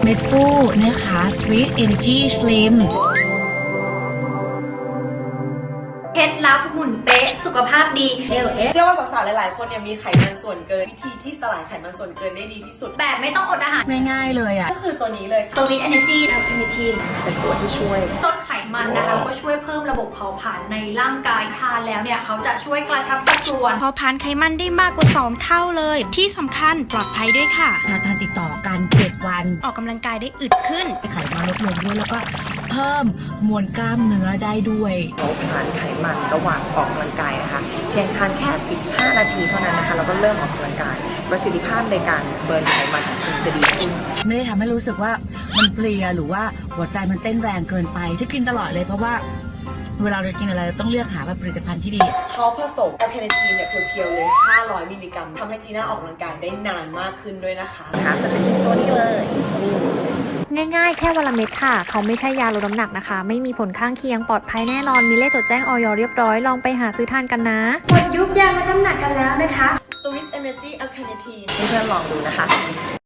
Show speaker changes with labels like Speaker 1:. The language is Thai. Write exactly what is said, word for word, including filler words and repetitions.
Speaker 1: เม็ดฟูนะคะ Sweet Energy Slim
Speaker 2: เคล็ดลับหุ่นเป๊ะสุขภาพดี เอล เอส
Speaker 3: เชื่อว่าสาวๆหลายๆคนเนี่ยมีไขมันส่วนเกินวิธีที่สลายไขมันส่วนเกินได้ดีที่สุด
Speaker 2: แบบไม่ต้องอดอาหาร
Speaker 1: ง่ายๆเลยอ่ะ
Speaker 3: ก็คือตัวนี้เลย
Speaker 2: Sweet Energy แอลคาเนทีน
Speaker 3: เป็นตัวที่ช่วย
Speaker 2: ลดไขมันนะคะก็ช่วยเพิ่มระบบเผาผลาญในร่างกายทานแล้วเนี่ยเขาจะช่วยกระชับสัดส่วน
Speaker 4: เผาผลาญไขมันได้มากกว่าสองเท่าเลย ที่สำคัญปลอดภัยด้วยค่ะ
Speaker 1: ทานทานติดต่อกันเจ็ดวัน
Speaker 4: ออกกำลังกายได้อึดขึ้น
Speaker 1: ไขมันลดลงด้วยแล้วก็เพิ่มมวลกล้ามเนื้อได้ด้วย
Speaker 5: เผาผลาญไขมันระหว่างออกกำลังกายนะคะเพียงทานแค่สิบห้านาทีเท่านั้นนะคะแล้วก็เริ่มออกกำลังกายประสิทธิภาพในการเบิร์นไขมันของคุณจะดีขึ้น
Speaker 1: ไม่ได้ทำให้รู้สึกว่ามันเพลียหรือว่าหัวใจมันเต้นแรงเกินไปที่กินตลอดเลยเพราะว่าเวลาเรากินอะไรเราต้องเลือกหาแบบผลิตภัณฑ์ที่ดี
Speaker 3: เขาผสมแอลคาเนทีนเนี่ยเพียวๆเลยห้าร้อยมิลลิกรัมทำให้จีน่าออกกำลังกายได้นานมากขึ้นด้วยนะคะ
Speaker 5: นะคะก็จะมีตัวนี้เลยนี่
Speaker 6: ง่ายๆ แค่วันละเม็ดค่ะ เขาไม่ใช่ยาลดน้ำหนักนะคะ ไม่มีผลข้างเคียง ปลอดภัยแน่นอน มีเลขจดแจ้งออยเรียบร้อย ลองไปหาซื้อทานกันนะ
Speaker 2: หมดยุคยาลดน้ำหนักกันแล้วนะคะ
Speaker 3: Swiss Energy แอลคาเนทีน
Speaker 5: เพื่อนๆลองดูนะคะ